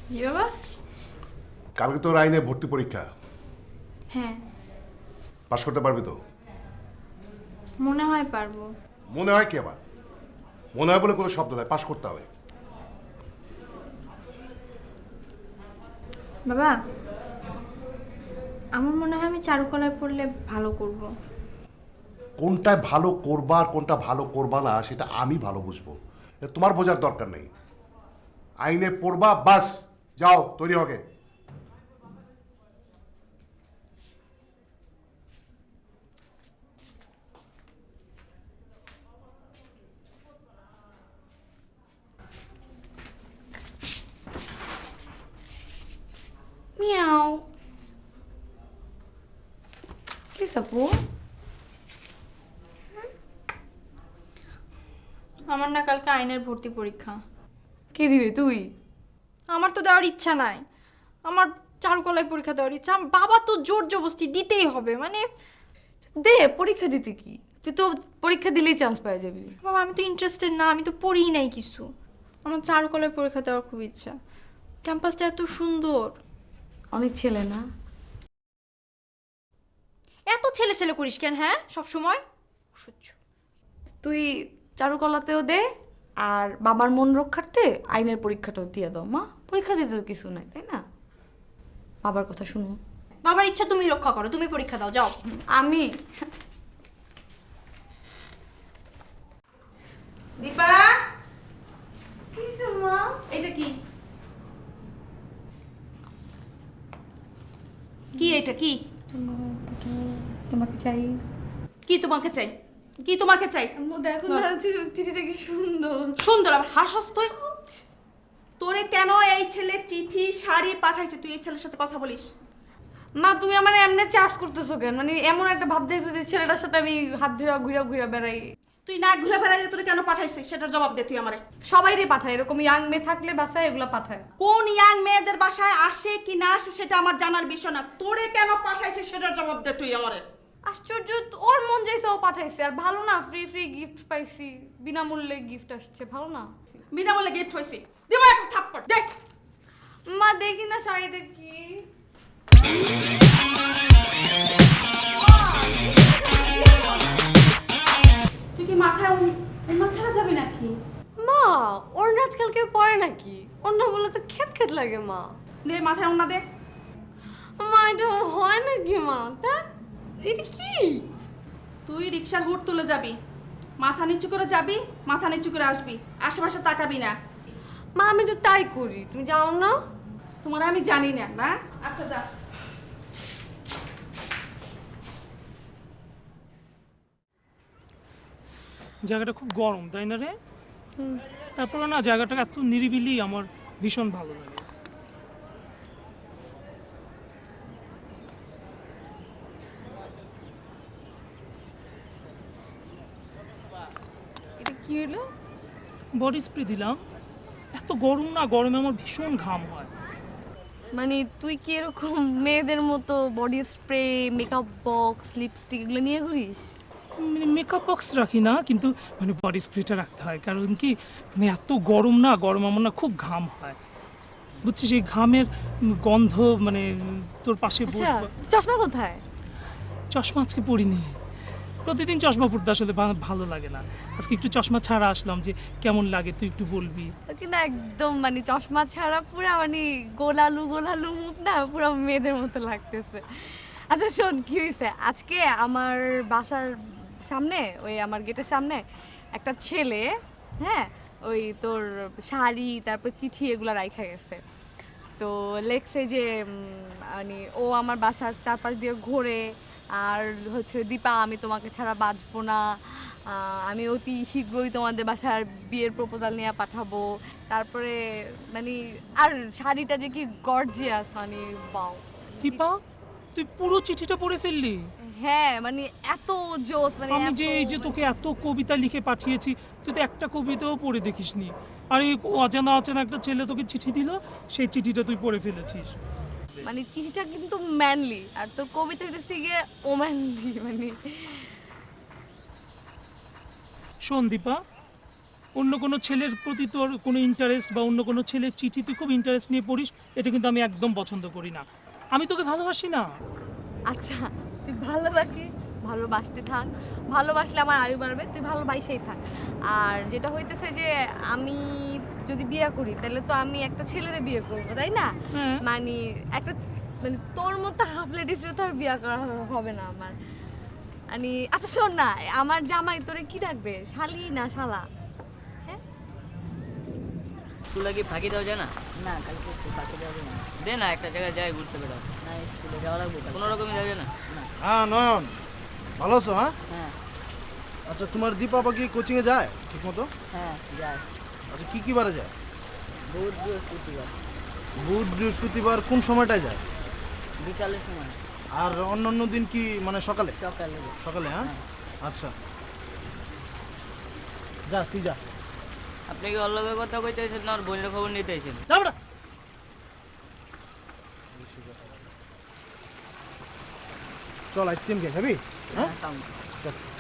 জি বাবা। কালকে তোর আইনে ভর্তি পরীক্ষা, হ্যাঁ, পাশ করতে পারবি তো? মনে হয় পারবো। মনে হয় কি আবার? মনে হয় বলে কোনো শব্দ নয়, পাশ করতে হবে। বাবা, আমার মনে হয় আমি চারুকলায় পড়লে ভালো করব। কোনটায় ভালো করবা আর কোনটা ভালো করবা না সেটা আমি ভালো বুঝবো, এটা তোমার বোঝার দরকার নেই। আইনে পড়বা, বাস, যাও তৈরি হবে। মিয়াও। কি সাপু? আমার না কালকে আইনের ভর্তি পরীক্ষা। কি দিবি তুই? আমার তো দেওয়ার ইচ্ছা নাই। আমার চারুকলায় পরীক্ষা দেওয়ার ইচ্ছা। আমার বাবা তো জোর জবরদস্তি দিতেই হবে, মানে দে পরীক্ষা দিতে কি, তুই তো পরীক্ষা দিলেই চান্স পেয়ে যাবি। বাবা আমি তো ইন্টারেস্টেড না, আমি তো পড়িই নাই কিছু। আমার চারুকলায় পরীক্ষা দেওয়ার খুব ইচ্ছা। ক্যাম্পাসটা এত সুন্দর। অনেক ছেলে না? এত ছেলে ছেলে করিস কেন, হ্যাঁ, সব সময় সহ্য। তুই চারুকলাতেও দে, আর বাবার মন রক্ষার্থে আইনের পরীক্ষাটাও দিয়ে দাও। মা, পরীক্ষা দিতে তো কিছু নাই, তাই না? বাবার কথা শুনো। বাবার ইচ্ছা তুমি রক্ষা করো, তুমি পরীক্ষা দাও, যাও। আমি দীপা, মা এটা কি? কি এটা কি? তোমাকে চাই। কি তোমাকে চাই? কি তোমাকে চাই? দেখো না চিঠিটা কি সুন্দর। সুন্দর আবার হাসস তুই। তোরে কেন এই ছেলে চিঠি শাড়ি পাঠাইছে? তুই এই ছেলের সাথে কথা বলিস? মা, তুমি আমার এমনি চার্জ করতেছো কেন? মানে এমন একটা ভাব দেখছো যে ছেলেটার সাথে আমি হাত ধরে ঘুরা ঘুরা বেড়াই। তুই না ঘুরে বেড়াইলে তোরে কেন পাঠাইছে সেটার জবাব দে তুই আমারে। সবাইরে পাঠায়, এরকম ইয়াং মেয়ে থাকলে বাসায় এগুলা পাঠায়। কোন ইয়াং মেয়েদের বাসায় আসে কি না আসে সেটা আমার জানার বিষয় না। তোরে কেন পাঠাইছে সেটার জবাব দে তুই আমারে। আশ্চর্য, ওর মন চাইছে ও পাঠাইছে। আর ভালো না, ফ্রি ফ্রি গিফট পাইছি, বিনামূল্যে গিফট আসছে, ভালো না? বিনামূল্যে গিফট হয়েছে, দিব একটা থাপ্পড় দেখ। মা দেখি না শাড়িটা কি। তুই কি মাথায় উন্মাদ ছাড়া যাবি নাকি? মা, ওর না আজকাল কেউ পরে নাকি? ওর না বলে তো খেত খেত লাগে মা। দে মাথায় উন্না দে। মা, এটা হয় নাকি মা? তা এটা কি? তুই রিক্সার হুট তুলে যাবি, মাথা নিচু করে যাবি, মাথা নিচু করে আসবি, আশেপাশে তাকাবি না। মা, আমি তো তাই করি, তুমি যাও না? তোমার আমি জানি না, না? আচ্ছা যা। জায়গাটা খুব গরম, তাই না রে? তারপরে না জায়গাটা এত নিরিবিলি, আমার ভীষণ ভালো লাগে। এটা কি হলো? বডি স্প্রে দিলাম। এত গরম না, গরমে আমার ভীষণ ঘাম হয়। মানে তুই কি এরকম মেয়েদের মতো body spray, makeup box, lipstick এগুলো নিয়ে ঘুরিস? মেকআপ বক্স রাখি না, কিন্তু মানে বডি স্প্রেটা রাখতে হয়, কারণ কি মানে এত গরম না, গরম আমার না খুব ঘাম হয়, বুঝছিস? এই ঘামের গন্ধ মানে তোর পাশে আচ্ছা, বসবো। চশমা কোথায়? চশমা আজকে পরিনি, প্রতিদিন চশমা পরতে আসলে ভালো লাগে না। আজকে একটু চশমা ছাড়া আসলাম, যে কেমন লাগে তুই একটু বলবি। তোকে না একদম মানে চশমা ছাড়া পুরো মানে গোলালু গোলালু মুখ না, পুরো মেয়েদের মতো লাগতেছে। আচ্ছা শোন, কি হয়েছে আজকে আমার বাসার সামনে, ওই আমার গেটের সামনে একটা ছেলে, হ্যাঁ, ওই তোর শাড়ি তারপর চিঠি এগুলো রাইখা গেছে। তো লেখছে যে মানে ও আমার বাসার চারপাশ দিয়ে ঘোরে, আর হচ্ছে দীপা আমি তোমাকে ছাড়া বাঁচবো না, আমি অতি শীঘ্রই তোমাদের বাসার বিয়ের প্রপোজাল নিয়ে পাঠাবো। তারপরে মানে আর শাড়িটা যে কি গর্জিয়াস, মানে বাও। দীপা, তুই পুরো চিঠিটা পড়ে ফেললি? হ্যাঁ মানে এত জোস, মানে আমি যে এত এই যে তোকে এত কবিতা লিখে পাঠিয়েছি, তুই তো একটা কবিতাও পড়ে দেখিসনি। আর এই অজানা অচেনা একটা ছেলে তোকে চিঠি দিল, সেই চিঠিটা তুই পড়ে ফেলেছিস। মানে চিঠিটা কিন্তু ম্যানলি, আর তোর কবিতা হইতেছে গিয়ে ওম্যানলি। মানে শোন দীপা, অন্য কোনো ছেলের প্রতি তোর কোনো ইন্টারেস্ট বা অন্য কোনো ছেলের চিঠি তুই খুব ইন্টারেস্ট নিয়ে পড়িস, এটা কিন্তু আমি একদম পছন্দ করি না। আমি তোকে ভালোবাসি না। আচ্ছা তুই ভালোবাসিস, ভালোবাসতে থাক, ভালোবাসলে আমার আয়ু বাড়বে, তুই ভালোবাসেই থাক। আর যেটা হইতেছে যে আমি যদি বিয়ে করি তাহলে তো আমি একটা ছেলেরে বিয়ে করবো, তাই না? হ্যাঁ। মানে একটা মানে তোর মতো হাফ লেডিস তো আর বিয়ে করা হবে না আমার। মানে আচ্ছা শোন না, আমার জামাই তোরে কি ডাকবে, শালি না শালা? হ্যাঁ স্কুলে কি ফাঁকি দেওয়া যায় না? না কালকে সে ফাঁকি দেওয়া যাবে না। দে না, একটা জায়গায় যাই ঘুরতে বেড়াও, না স্কুলে যাওয়া লাগবে কালকে। কোনো রকমই যাওয়া যায় না? হ্যাঁ নয়ন, ভালো আছো? হ্যাঁ হ্যাঁ আচ্ছা, তোমার দীপা কি কোচিংয়ে যায় ঠিক মতো? হ্যাঁ যায়। আচ্ছা, কি বারে যায়? বুধ বৃহস্পতিবার বুধ বৃহস্পতিবার কোন সময়টায় যায়? বিকালের সময়, আর অন্য অন্য দিন কি মানে সকালে? সকালে। সকালে, হ্যাঁ আচ্ছা, যা তুই যা। আপনি কি অল্লগের কথা কইতেছেন না ওর বোনের খবর নিতে আইছেন? যা বেটা। চল আইসক্রিম খেয়ে খাবি? হ্যাঁ হ্যাঁ খাও। চল।